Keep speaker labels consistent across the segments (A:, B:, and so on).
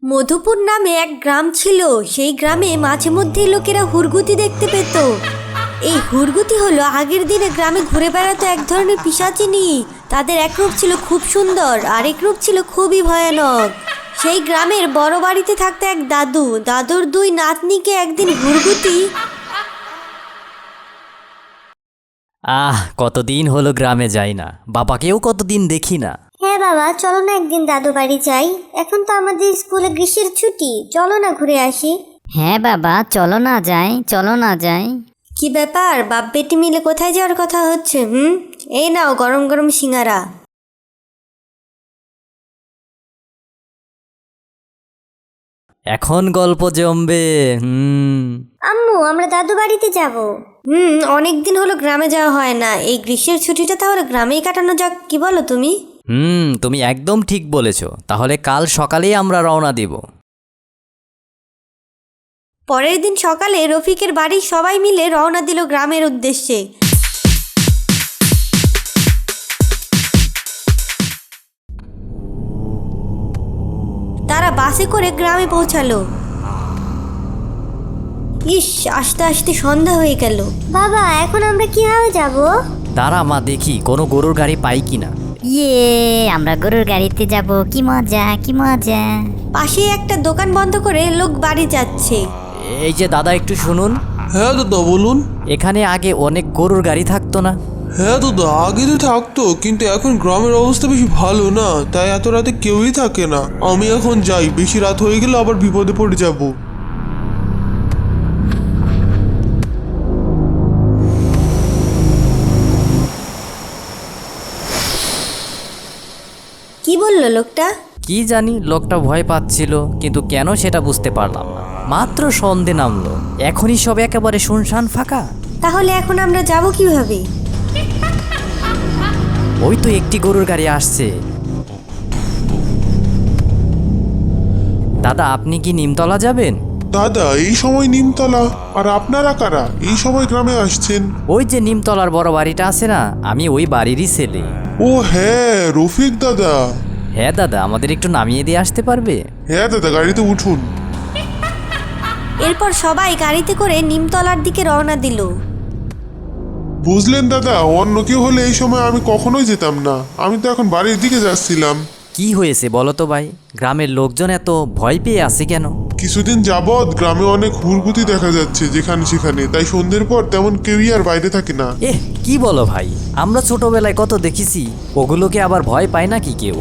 A: মধুপুর নামে এক গ্রাম ছিল। সেই গ্রামে মাঝে মধ্যেই লোকেরা হুরগুতি দেখতে পেত। এই হুরগুতি হলো আগের দিনে গ্রামে ঘুরে বেড়াতো এক ধরনের পিশাচিনী। তাদের এক রূপ ছিল খুব সুন্দর, আরেক রূপ ছিল খুবই ভয়ানক। সেই গ্রামের বড় বাড়িতে থাকতো এক দাদু। দাদুর দুই নাতনিকে একদিন হুরগুতি।
B: কতদিন হলো গ্রামে যাই না, বাবাকেও কতদিন দেখি না।
A: হ্যাঁ বাবা, চলো না একদিন দাদু বাড়ি যাই। এখন তো আমাদের স্কুলে গ্রীষ্মের ছুটি, চলো না ঘুরে আসি।
C: হ্যাঁ বাবা, চলো না যাই, চলো না যাই।
A: কি ব্যাপার, বাপ বেটি মিলে কোথায় যাওয়ার কথা হচ্ছে? এই নাও গরম গরম সিঙ্গারা।
B: এখন গল্প জমবে।
A: আম্মু, আমরা দাদু বাড়িতে যাব। অনেকদিন হলো গ্রামে যাওয়া হয় না। এই গ্রীষ্মের ছুটিটা তাহলে গ্রামেই কাটানো যাক, কি বলো তুমি?
B: তুমি একদম ঠিক বলেছ। তাহলে কাল সকালেই আমরা রওনা দিব।
A: পরের দিন সকালে রফিকের বাড়ির সবাই মিলে রওনা দিল গ্রামের উদ্দেশ্যে। তারা বাসে করে গ্রামে পৌঁছালো। ইস, আস্তে আস্তে সন্ধ্যা হয়ে গেল। বাবা, এখন আমরা কিভাবে যাব?
B: দাঁড়া মা, দেখি কোনো গরুর গাড়ি পাই কিনা।
C: আমরা গরুর গাড়িতে যাব, কি মজা কি মজা।
A: পাশে একটা দোকান বন্ধ করে লোক বাড়ি যাচ্ছে।
B: এই যে দাদা, একটু শুনুন।
D: হ্যাঁ দাদা, বলুন।
B: এখানে আগে অনেক গরুর গাড়ি থাকতো না?
D: হ্যাঁ দাদা, আগে তো থাকতো, কিন্তু এখন গ্রামের অবস্থা বেশি ভালো না, তাই এত রাতে কেউই থাকে না। আমি এখন যাই, বেশি রাত হয়ে গেলে আবার বিপদে পড়ে যাব।
A: কি বললো লোকটা?
B: কি জানি, লোকটা ভয় পাচ্ছিল, কিন্তু কেন সেটা বুঝতে পারলাম না। মাত্র সন্ধে নামলো, এখনই সব একেবারে শুনশান ফাঁকা।
A: তাহলে এখন আমরা যাব কিভাবে?
B: ওই তো একটি গরুর গাড়ি আসছে। দাদা, আপনি কি নিমতলা যাবেন?
D: দাদা, এই সময় নিমতলা? আর আপনারা কারা এই সময় গ্রামে আসছেন?
B: ওই যে নিমতলার বড় বাড়িটা আছে না, আমি ওই বাড়িরই ছেলে।
D: ও হ্যাঁ, রফিক দাদা।
B: হ্যাঁ দাদা, আমাদের একটু নামিয়ে দিয়ে আসতে পারবে?
D: হ্যাঁ দাদা, গাড়িতে উঠুন।
A: এরপর সবাই গাড়িতে করে নিমতলার দিকে রওনা দিল।
D: বুঝলেন দাদা, অন্য কেউ হলে এই সময় আমি কখনোই যেতাম না। আমি তো এখন বাড়ির দিকে যাচ্ছিলাম।
B: কি হয়েছে বলো তো ভাই, গ্রামের লোকজন এত ভয় পেয়ে আছে কেন?
D: কিছুদিন যাবৎ গ্রামে অনেক হুড়গুতি দেখা যাচ্ছে যেখানে সেখানে, তাই সন্ধ্যের পর তেমন কেউই আর বাইরে থাকে না।
B: কি বলো ভাই, আমরা ছোটবেলায় কত দেখেছি, ওগুলোকে আবার ভয় পায় নাকি কেউ?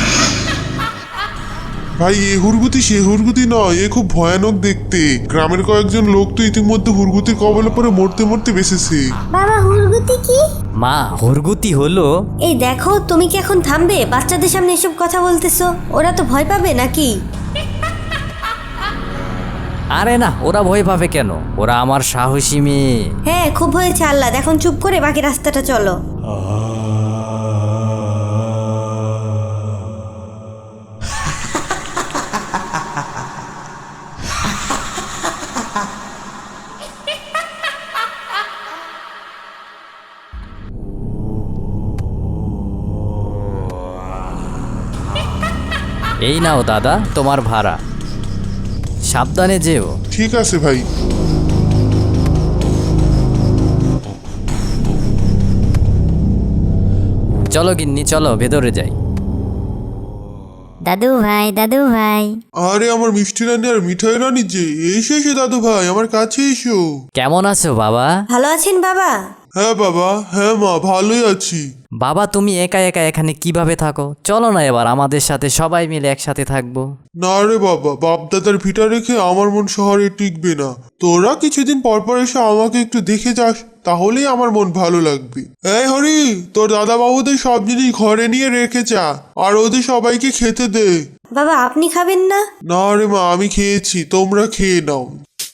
D: ভাই, এ হুড়গুতি সে হুড়গুতি নয়, এ খুব ভয়ানক দেখতে। গ্রামের কয়েকজন লোক তো ইতিমধ্যে হুড়গুতির কবলে পরে মরতে মরতে বেঁচেছে।
A: বাবা, হুরগুতি কি?
B: মা, হুরগুতি হলো।
A: এই দেখো, তুমি কি এখন থামবে? বাচ্চাদের সামনে এসব কথা বলতেছো, ওরা তো ভয় পাবে নাকি?
B: আরে না, ওরা ভয় পাবে কেন? ওরা আমার সাহসী মেয়ে।
A: হ্যাঁ, খুব হয়েছে আহ্লাদ, এখন চুপ করে বাকি রাস্তাটা চলো।
B: এই নাও দাদা, তোমার ভাড়া। সাবধানে যেও।
D: ঠিক আছে ভাই।
B: চলো গিন্নি, চলো ভেতরে যাই।
C: দাদু ভাই, দাদু ভাই।
D: আরে আমার মিষ্টি রানী আর মিঠাই রানী যে, এসে এসে দাদু ভাই আমার কাছে এসো।
B: কেমন আছো বাবা?
A: ভালো আছেন বাবা?
D: হ্যাঁ বাবা, হ্যাঁ মা, ভালোই আছি।
B: বাবা, তুমি একা একা এখানে কিভাবে থাকো? চলো না এবার আমাদের সাথে সবাই মিলে একসাথে থাকবো।
D: না রে বাবা, বাপ দাদার ভিটা রেখে আমার মন শহরে টিকবে না। তোরা কিছুদিন পর পর এসে আমাকে একটু দেখে যাস, তাহলেই আমার মন ভালো লাগবে। এই হরি, তোর দাদা বাবুদের সব জিনিস ঘরে নিয়ে রেখে যা, আর ওদের সবাইকে খেতে দে।
A: বাবা, আপনি খাবেন না?
D: না রে মা, আমি খেয়েছি, তোমরা খেয়ে নাও।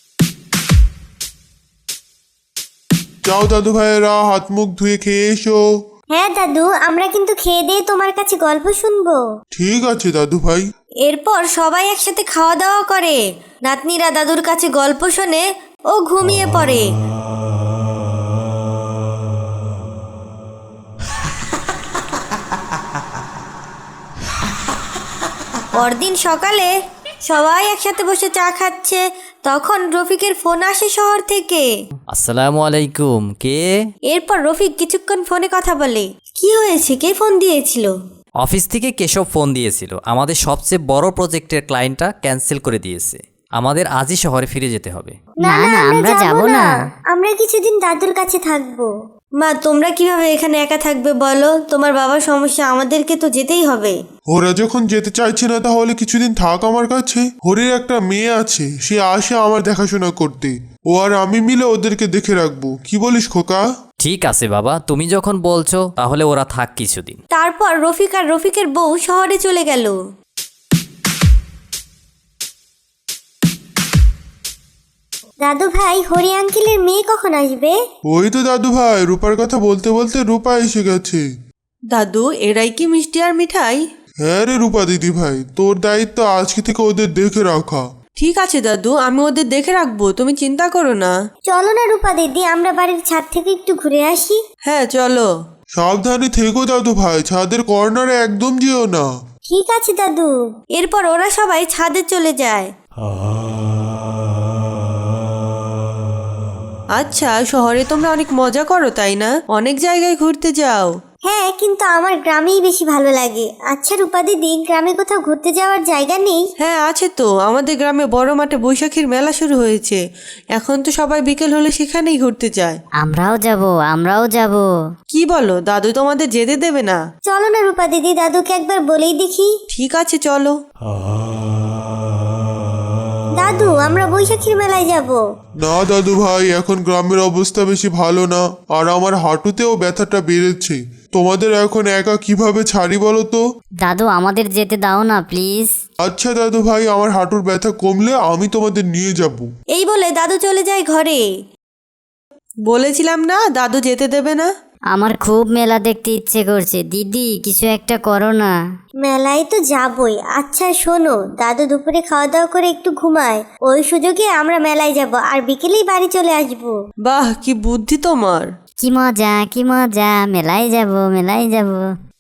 D: যাও দাদু ভাইয়েরা, হাত মুখ ধুয়ে খেয়ে এসো।
A: হ্যাঁ দাদু, আমরা কিন্তু খেয়ে দিয়ে তোমার কাছে গল্প শুনবো।
D: ঠিক আছে দাদু ভাই।
A: এরপর সবাই একসাথে খাওয়া দাওয়া করে। নাতনিরা দাদুর কাছে গল্প শোনে ও ঘুমিয়ে পড়ে। পরদিন সকালে সবাই একসাথে বসে চা খাচ্ছে, তখন রফিকের ফোন আসে শহর থেকে।
B: আসসালামু আলাইকুম, কে?
A: এরপর রফিক কিছুক্ষণ ফোনে কথা বলে। কি হয়েছে, কে ফোন দিয়েছিল?
B: অফিস থেকে কেশব ফোন দিয়েছিল, আমাদের সবচেয়ে বড় প্রজেক্টের ক্লায়েন্টটা ক্যান্সেল করে দিয়েছে, আমাদের আজই শহরে ফিরে যেতে হবে।
C: না না আমরা যাব না।
A: আমরা কিছুদিন দাদুর কাছে থাকবো। মা, তোমরা কিভাবে এখানে একা থাকবে বলো? তোমার বাবার সমস্যা, আমাদেরকে তো যেতেই হবে।
D: ওরা যখন যেতে চাইছে না তাহলে কিছুদিন থাক আমার কাছে। হরির একটা মেয়ে আছে, সে আসে আমার দেখাশোনা করতে। ও আর আমি মিলে ওদেরকে দেখে রাখবো। কি বলিস খোকা?
B: ঠিক আছে বাবা, তুমি যখন বলছো তাহলে ওরা থাক কিছুদিন।
A: তারপর রফিক আর রফিকের বউ শহরে চলে গেল। দাদু ভাই, হরি আঙ্কেলের মেয়ে কখন আসবে?
D: ওই তো দাদু ভাই, রূপার কথা বলতে বলতে রূপা এসে গেছে।
E: দাদু, এরাই কি মিষ্টি আর মিঠাই?
D: হ্যাঁ রে রূপা দিদি ভাই, তোর দায়িত্ব আজকে থেকে ওদের দেখে রাখা।
E: ঠিক আছে দাদু, আমি ওদের দেখে রাখবো, তুমি চিন্তা করো না।
A: চলো না রূপা দিদি, আমরা বাড়ির ছাদ থেকে একটু ঘুরে আসি।
E: হ্যাঁ চলো।
D: সাবধানে থেকো দাদু ভাই, ছাদের কর্নারে একদম যেও না।
A: ঠিক আছে দাদু। এরপর ওরা সবাই ছাদে চলে যায়।
E: আচ্ছা, শহরে তোমরা অনেক মজা করো তাই না? অনেক জায়গায় ঘুরতে যাও।
A: হ্যাঁ, কিন্তু আমার গ্রামেই বেশি ভালো লাগে। আচ্ছা রূপা দিদি, গ্রামে কোথাও ঘুরতে যাওয়ার জায়গা নেই?
E: হ্যাঁ আছে তো, আমাদের গ্রামে বড় মাঠে বৈশাখীর মেলা শুরু হয়েছে। এখন তো সবাই বিকেল হলে সেখানেই ঘুরতে যায়।
C: আমরাও যাব।
E: কি বলো, দাদু তোমাদের যেতে দেবে না?
A: চলো না রূপা দিদি, দাদুকে একবার বলেই দেখি।
E: ঠিক আছে চলো।
A: দাদু, আমরা বৈশাখীর মেলায় যাব।
D: না দাদু ভাই, এখন গ্রামের অবস্থা বেশি ভালো না, আর আমার হাঁটুতেও ব্যথাটা বেড়েছে। তোমাদের এখন একা কিভাবে ছাড়ি বলো তো?
C: দাদু আমাদের যেতে দাও না প্লিজ।
D: আচ্ছা দাদু ভাই, আমার হাঁটুর ব্যথা কমলে আমি তোমাদের নিয়ে যাব।
A: এই বলে দাদু চলে যায় ঘরে।
E: বলেছিলাম না দাদু যেতে দেবে না।
C: আমার খুব মেলা দেখতে ইচ্ছে করছে, দিদি কিছু একটা করো না।
A: মেলায় তো যাবই। আচ্ছা শোনো, দাদু দুপুরে খাওয়া দাওয়া করে একটু ঘুমায়, ওই সুযোগে আমরা মেলায় যাব আর বিকেলেই বাড়ি চলে আসব।
E: বাহ, কি বুদ্ধি তোমার।
C: কি মজা, মেলায় যাব।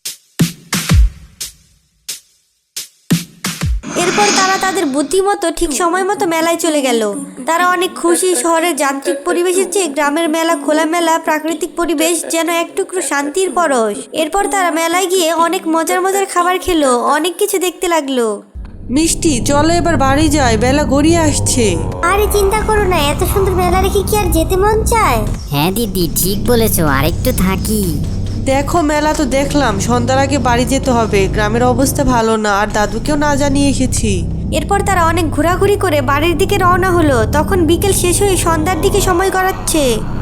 A: এরপর তারা তাদের বুদ্ধিমতো ঠিক সময় মতো মেলায় চলে গেল। তারা অনেক খুশি। শহরের যান্ত্রিক পরিবেশের চেয়ে গ্রামের মেলা, খোলামেলা প্রাকৃতিক পরিবেশ যেন এক টুকরো শান্তির পরশ। এরপর তারা মেলায় গিয়ে অনেক মজার মজার খাবার খেলো, অনেক কিছু দেখতে লাগলো।
E: মিষ্টি, চলো এবার বাড়ি যাই, বেলা গড়িয়ে আসছে।
A: আরে চিন্তা করো না, এত সুন্দর মেলা রেখে কি আর যেতে মন চায়?
C: হ্যাঁ দিদি ঠিক বলেছো, আরেকটু থাকি।
E: দেখো, মেলা তো দেখলাম, সন্ধ্যার আগে বাড়ি যেতে হবে। গ্রামের অবস্থা ভালো না, আর দাদুকেও না জানিয়ে এসেছি।
A: এরপর তারা অনেক ঘোরাঘুরি করে বাড়ির দিকে রওনা হলো। তখন বিকেল শেষ হয়ে সন্ধ্যার দিকে সময় গড়াচ্ছে।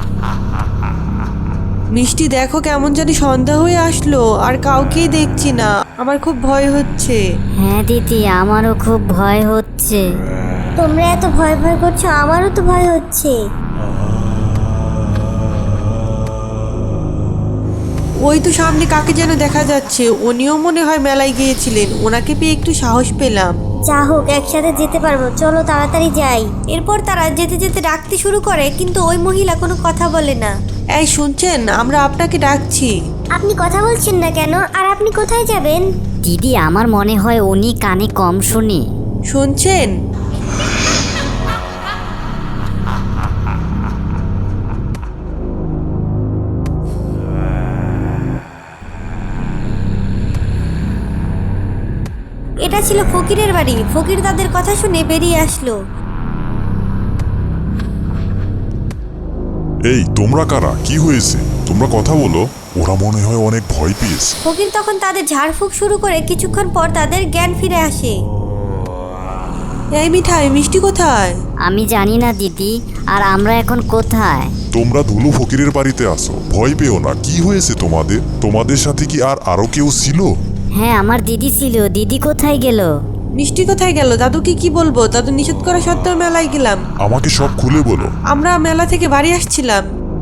E: মিষ্টি, দেখো কেমন জানি সন্ধ্যা হয়ে আসলো, আর কাউকেই দেখছি না। আমার খুব ভয় হচ্ছে।
C: হ্যাঁ দিদি, আমারও খুব ভয় হচ্ছে।
A: তোমরা এত ভয় করছো, আমারও তো ভয় হচ্ছে।
E: ওই তো সামনে কাকে যেন দেখা যাচ্ছে, উনিও মনে হয় মেলায় গিয়েছিলেন। ওনাকে পেয়ে একটু সাহস পেলাম।
A: যা হোক, একসাথে যেতে পারবো, চলো তাড়াতাড়ি যাই। এরপর তারা যেতে যেতে ডাকতে শুরু করে, কিন্তু ওই মহিলা কোনো কথা বলে না।
E: এই শুনছেন, আমরা আপনাকে ডাকছি।
A: আপনি কথা বলছেন না কেন? আর আপনি কোথায় যাবেন?
C: দিদি আমার মনে হয় উনি কানে কম শুনে।
E: শুনছেন?
A: এটা ছিল ফকিরের বাড়ি। ফকির তাদের কথা শুনে বেরিয়ে আসলো।
F: এই তোমরা কারা? কি হয়েছে? তোমরা কথা বলো। ওরা মনে হয় অনেক ভয় পেয়েছে।
A: ফকির তখন তাদের ঝাড়ফুঁক শুরু করে কিছুক্ষণ পর তাদের জ্ঞান ফিরে আসে।
E: এই মিঠাই, মিষ্টি কোথায়?
C: আমি জানি না দিদি, আর আমরা এখন কোথায়?
F: তোমরা ধুলু ফকিরের বাড়িতে আসো, ভয় পেও না। কি হয়েছে তোমাদের? তোমাদের সাথে কি আরো কেউ ছিল?
C: হ্যাঁ আমার দিদি ছিল। দিদি কোথায় গেল?
E: মিষ্টি কোথায় গেল? দাদুকে কি বলবো? দাদু নিষেধ করা সত্ত্বেও মেলায় গেলাম।
F: আমাকে সব খুলে বলো।
E: আমরা মেলা থেকে বাড়ি আসছিলাম।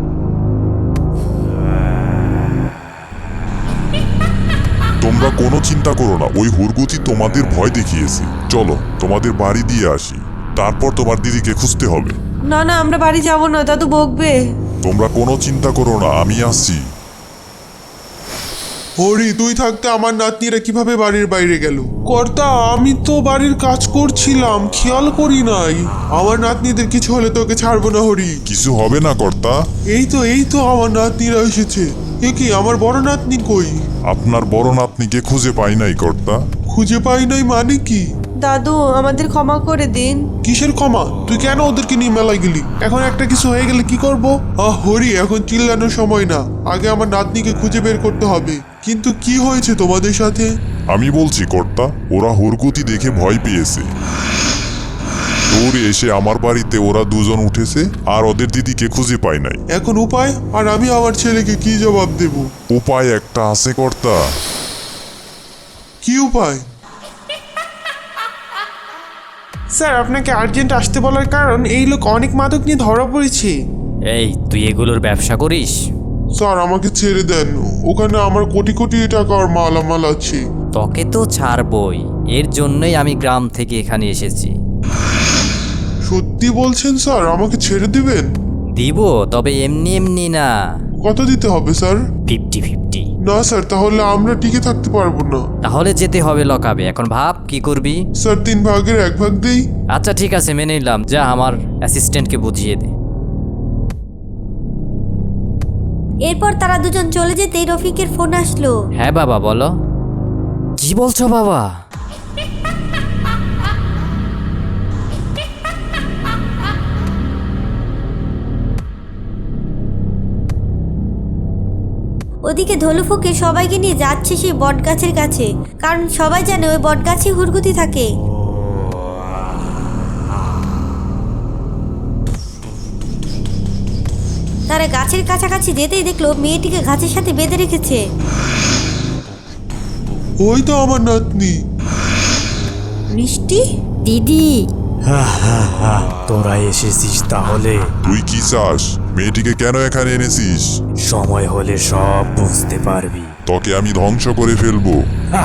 F: তোমরা কোনো চিন্তা করো না, ওই হুরগুতি তোমাদের ভয় দেখিয়েছে। চলো তোমাদের বাড়ি দিয়ে আসি, তারপর তোমার দিদিকে খুঁজতে হবে।
E: না না, আমরা বাড়ি যাব না, দাদু বকবে।
F: তোমরা কোনো চিন্তা করো না, আমি আসছি।
D: হরি, তুই থাকতে আমার নাতনিরা কিভাবে বাড়ির বাইরে গেল? কর্তা, আমি তো বাড়ির কাজ করছিলাম, খেয়াল করি নাই। আমার নাতনিদের কিছু হলে তোকে ছাড়বো না হরি।
F: কিছু হবে না কর্তা।
D: এই তো আমার নাতনিরা এসেছে। এ কি, আমার বড় নাতনি কই?
F: আপনার বড় নাতনিকে খুঁজে পাই নাই কর্তা।
D: খুঁজে পাই নাই মানে কি?
E: দাদু, আমাদের ক্ষমা করে দিন।
D: কিসের ক্ষমা? তুই কেন ওদেরকে নিয়ে মেলায় গেলি? এখন একটা কিছু হয়ে গেলে কি করব? হরি, এখন চিল্লানোর সময় না, আগে আমার নাতনিকে খুঁজে বের করতে হবে। কিন্তু কি হয়েছে তোমাদের সাথে?
F: আমি বলছি কর্তা, ওরা হুরগুতি দেখে ভয় পেয়েছে। দৌড়ে এসে আমার বাড়িতে ওরা দুজন উঠেছে আর ওদের দিদিকে খুঁজে পায় নাই।
D: এখন উপায়? আর আমি আমার ছেলেকে কি জবাব দেব?
F: উপায় একটা আছে কর্তা।
D: কি উপায়?
G: স্যার, আপনাকে আর্জেন্ট আসতে বলার কারণ এই লোক অনেক মাদক নিয়ে ধরা পড়েছে।
B: এই, তুই এগুলোর ব্যবসা করিস?
D: স্যার, আমাকে ছেড়ে দেন। ওখানে আমার কোটি কোটি টাকার মালামাল আছে।
B: তোকে তো ছাড়বই, এর জন্যই আমি গ্রাম থেকে এখানে এসেছি।
D: সত্যি বলছেন স্যার? আমাকে ছেড়ে দিবেন?
B: দিব, তবে এমনি এমনি না,
D: কত দিতে হবে স্যার?
B: 50-50।
D: না স্যার, তাহলে আমরা টিকে থাকতে পারবো না।
B: তাহলে যেতে হবে লকাবে। এখন ভাব কি করবি।
D: স্যার, 3 ভাগের 1 ভাগ দেই।
B: আচ্ছা ঠিক আছে, মেনে নিলাম। যা আমার অ্যাসিস্ট্যান্টকে বুঝিয়ে দে।
A: এরপর তারা দুজন চলে যেতেই রফিকের ফোন আসলো।
B: হ্যাঁ বাবা, বলো। কি বলছো বাবা?
A: ওদিকে ধলুফুকে সবাইকে নিয়ে যাচ্ছে সেই বটগাছের কাছে, কারণ সবাই জানে ওই বটগাছে হুরগুতি থাকে। তারা গাছের কাছাকাছি যেতেই দেখলো মেয়েটিকে গাছের সাথে বেঁধে রেখেছে।
D: ওই তো আমার নাতনি।
E: মিষ্টি?
C: দিদি,
H: তোরা এসেছিস তাহলে?
F: তুই কি চাস? মেয়েটিকে কেন এখানে এনেছিস?
H: সময় হলে সব বুঝতে পারবি।
F: তোকে আমি ধ্বংস করে ফেলবো।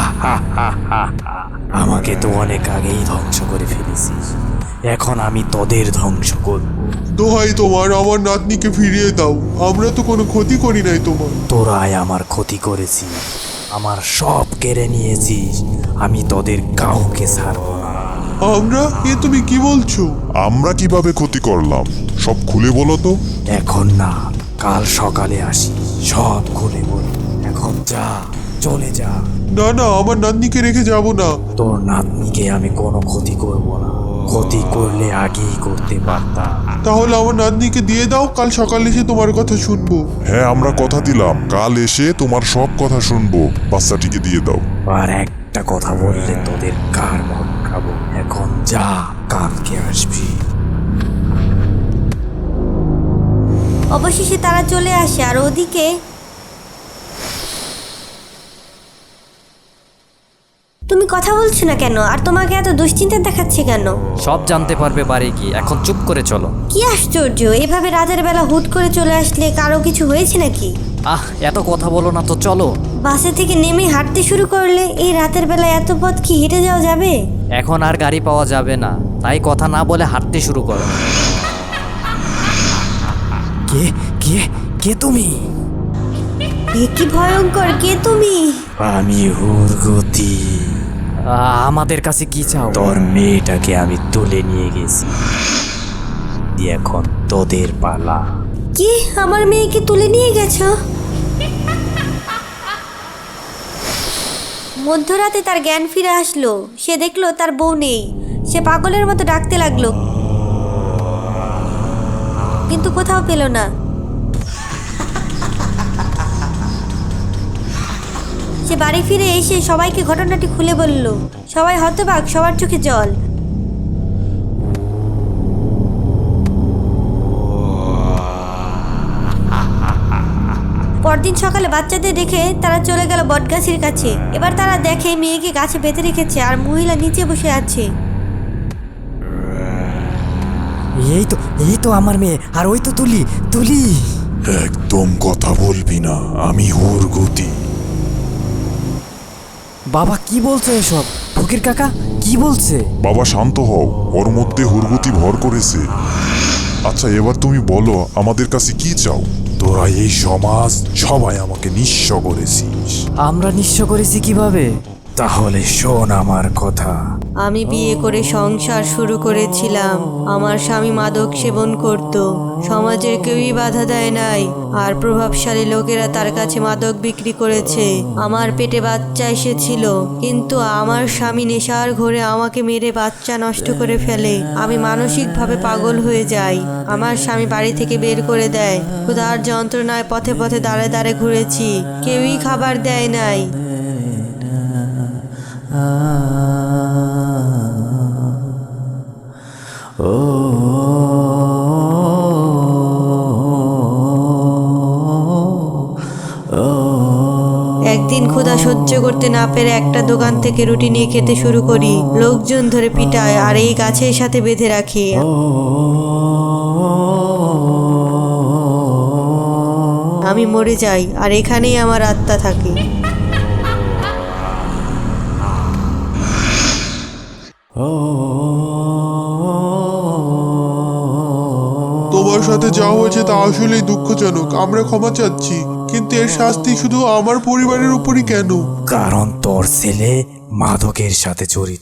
H: আমাকে তো অনেক আগেই ধ্বংস করে ফেলেছিস, এখন আমি তোদের ধ্বংস করব।
D: দোহাই তোমার, আমার নাতনিকে ফিরিয়ে দাও। আমরা তো কোনো ক্ষতি করি নাই তোমার।
H: তোরাই আমার ক্ষতি করেছিস, আমার সব কেড়ে নিয়েছিস। আমি তোদের কাউকে ছাড়বো না।
D: আমরা? এ তুমি কি বলছো?
F: আমরা কিভাবে ক্ষতি করলাম সব খুলে বলো তো।
H: এখন না, কাল সকালে আসি, সব খুলে বল। এখন যা, চলে যা।
D: না না, আমার নাতনিকে রেখে যাব না।
H: তোর নাতনিকে আমি কোনো ক্ষতি করব না, ক্ষতি করলে আগেই করতে পারতাম।
D: তাহলে আমার নাতনিকে দিয়ে দাও, কাল সকালে এসে তোমার কথা শুনবো।
F: হ্যাঁ, আমরা কথা দিলাম, কাল এসে তোমার সব কথা শুনবো। বাচ্চাটিকে দিয়ে দাও।
H: আর একটা কথা বললে তোদের কার মন খাবো। এখন যা, কালকে আসবি।
A: অবশেষে তারা চলে আসে, আর ওদিকে তুমি কথা বলছো না কেন? আর তোমাকে এত দুশ্চিন্তা দেখাচ্ছে কেন?
B: সব জানতে পারবে বাড়ি গিয়ে। এখন চুপ করে চলো।
A: কি আশ্চর্য, এভাবে রাতের বেলা হুট করে চলে আসলে কারো কিছু হয়েছে নাকি?
B: এত কথা বলো না তো, চলো।
A: বাসে থেকে নেমে হাঁটতে শুরু করলে এই রাতের বেলা এত পথ কি হেঁটে যাওয়া যাবে?
B: এখন আর গাড়ি পাওয়া যাবে না, তাই কথা না বলে হাঁটতে শুরু করো।
H: কে কে কে তুমি?
A: এ কি ভয়ঙ্কর! কে তুমি?
H: আমি হুরগতি।
B: আমাদের কাছে কি চাও?
H: তোর মেয়েটাকে আমি তুলে নিয়ে গেছি, এখন তোদের পালা।
A: কি, আমার মেয়েকে তুলে নিয়ে গেছো? মধ্যরাতে তার জ্ঞান ফিরে আসলো। সে দেখলো তার বউ নেই। সে পাগলের মতো ডাকতে লাগলো, কিন্তু কোথাও পেল না। সে বাড়ি ফিরে এসে সবাইকে ঘটনাটি খুলে বলল। সবাই হতবাক, সবার চোখে জল। পরদিন সকালে বাচ্চাদের রেখে তারা চলে গেল বটগাছের কাছে। এবার তারা দেখে মেয়েকে গাছে বেঁধে রেখেছে আর মহিলা নিচে বসে আছে।
H: এই তো আমার মেয়ে, আর ওই তো তুলি তুলি।
F: একদম কথা বলবি না, আমি হুরগতি।
B: বাবা কি বলছো এসব? ফকির কাকা কি বলছে?
F: বাবা শান্ত হও, ওর মধ্যে হুরগতি ভর করেছে। আচ্ছা, এবার তুমি বলো আমাদের কাছে কি চাও?
H: তোরা এই সমাজ সবাই আমাকে নিঃস্ব করেছিস।
B: আমরা নিঃস্ব করেছি কিভাবে?
H: তাহলে শোন আমার কথা।
E: আমি বিয়ে করে সংসার শুরু করেছিলাম। আমার স্বামী মাদক সেবন করত। সমাজের কেউই বাধা দেয় নাই, আর প্রভাবশালী লোকেরা তার কাছে মাদক বিক্রি করেছে। আমার পেটে বাচ্চা এসেছিল, কিন্তু আমার স্বামী নেশার ঘোরে আমাকে মেরে বাচ্চা নষ্ট করে ফেলে। আমি মানসিকভাবে পাগল হয়ে যাই। আমার স্বামী বাড়ি থেকে বের করে দেয়। ক্ষুধার যন্ত্রণায় পথে পথে দাঁড়ে দাঁড়ে ঘুরেছি, কেউই খাবার দেয় নাই। একদিন ক্ষুধা সহ্য করতে না পেরে একটা দোকান থেকে রুটি নিয়ে খেতে শুরু করি। লোকজন ধরে পিটায় আর এই গাছের সাথে বেঁধে রাখি। আমি মরে যাই আর এখানেই আমার আত্মা থাকে।
D: তোমার সাথে যা হয়েছে তা আসলেই দুঃখজনক। আমরা ক্ষমা চাচ্ছি, কিন্তু এর শাস্তি শুধু আমার পরিবারের উপরই কেন?
H: কারণ তোর ছেলে মাদকের সাথে জড়িত।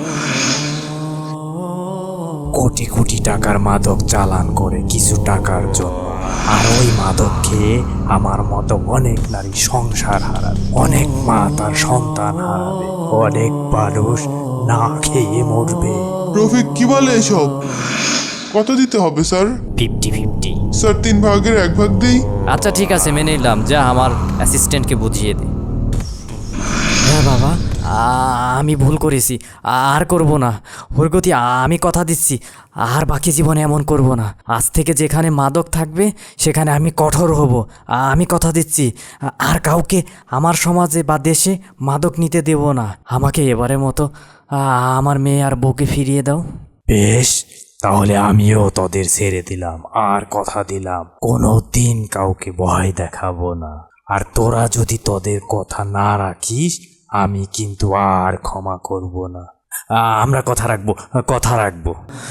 H: কোটি কোটি টাকার মাদক চালান করে কিছু টাকার জন্য, আর ওই মাদক খেয়ে আমার মতো অনেক নারী সংসার হারাবে, অনেক মা তার সন্তান হারাবে, অনেক মানুষ না খেয়ে মরবে।
D: রফিক কি বলে এসব? কত দিতে হবে স্যার?
B: 50-50।
D: স্যার 3 ভাগের 1 ভাগ দেই।
B: আচ্ছা ঠিক আছে, মেনে নিলাম। যা আমার অ্যাসিস্ট্যান্টকে বুঝিয়ে দে। হ্যাঁ বাবা, আমি ভুল করেছি, আর করব না। হুরগতি, আমি কথা দিচ্ছি আর বাকি জীবনে এমন করব না। আজ থেকে যেখানে মাদক থাকবে সেখানে আমি কঠোর হব। আমি কথা দিচ্ছি, আর কাউকে আমার সমাজে বা দেশে মাদক নিতে দেব না। আমাকে এবারের মতো আমার মেয়ে আর বউকে ফিরিয়ে দাও।
H: বেশ, তাহলে আমিও তোদের ছেড়ে দিলাম, আর কথা দিলাম কোনো দিন কাউকে ভয় দেখাবো না। আর তোরা যদি তোদের কথা না রাখিস, আমি কিন্তু আর ক্ষমা করব না। আমরা কথা রাখবো, কথা রাখবো।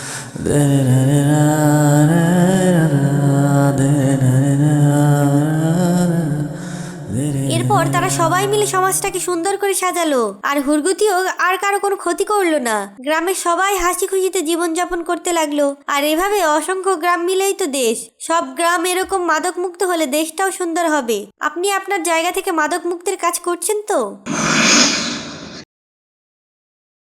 A: এরপর তারা সবাই মিলে সমাজটাকে সুন্দর করে সাজালো, আর হুরগুতিও আর কারো কোনো ক্ষতি করলো না। গ্রামের সবাই হাসি খুশিতে জীবনযাপন করতে লাগলো। আর এভাবে অসংখ্য গ্রাম মিলেই তো দেশ। সব গ্রাম এরকম মাদক মুক্ত হলে দেশটাও সুন্দর হবে। আপনি আপনার জায়গা থেকে মাদক মুক্তের কাজ করছেন তো?